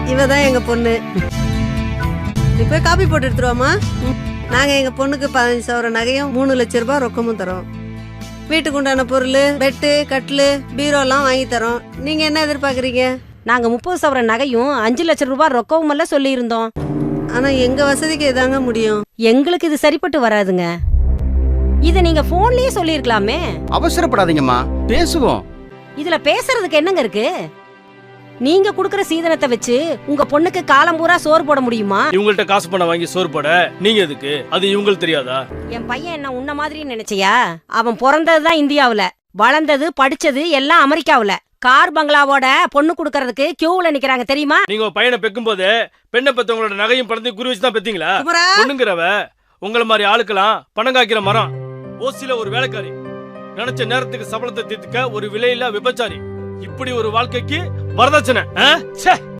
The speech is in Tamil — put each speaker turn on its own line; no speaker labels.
இவதான் எங்க பொண்ணு. நீ போய் காப்பி போட்டு எடுத்துருவாமா. நாங்க எங்க பொண்ணுக்கு 15 சவர நகையும் 3 லட்சம் ரூபாய் ரொக்கமும் தரோம். வீட்டுக்கு உண்டான பொருள், பெட்டு, கட்டிலு, பீரோலாம் வாங்கி தரோம். நீங்க என்ன எதிர்பார்க்குறீங்க?
நாங்க 30 சவர நகையும் 5 லட்சம் ரூபாய் ரொக்கவும் எல்லாம் சொல்லி இருந்தோம்.
ஆனா எங்க வசதிக்கு இதாங்க முடியும்.
எங்களுக்கு இது சரிப்பட்டு வராதுங்க. இத நீங்க போன்லயே சொல்லிருக்கலாமே.
அவசரப்படாதீங்கம்மா, பேசுவோம்.
இதுல பேசுறதுக்கு என்னங்க இருக்கு? நீங்க குடுக்கற சீதனத்தை வச்சு உங்க பொண்ணுக்கு காலம் பூரா சோறு போட முடியுமா?
இவங்கள்ட்ட காசு பணம் வாங்கி சோறு போட நீங்க எதுக்கு? அது இவங்களுக்கு தெரியாதா?
என் பையன் என்ன உன்ன மாதிரி நினைச்சியா? அவன் பிறந்ததுதான் இந்தியாவுல, வளர்ந்தது படிச்சது எல்லாம் அமெரிக்காவுல. கார் பங்களாவோட பொண்ணு குடுக்கறதுக்கு கியூல நிக்கிறாங்க தெரியுமா?
நீங்க பையனை பெக்கும் போது பெண்ணை பெத்தவங்களோட நகையும் பணத்தையும் குறி வச்சுதான் பெத்தீங்களா? பொண்ணுங்கிறவ உங்கள மாதிரி ஆளுக்கெல்லாம் பணம் காய்க்கிற மரம். ஓசில ஒரு வேலைக்காரி, நினைச்ச நேரத்துக்கு சம்பளத்தை தீர்த்துக்க ஒரு விலையில்லா விபச்சாரி. இப்படி ஒரு வாழ்க்கைக்கு வரதட்சணை.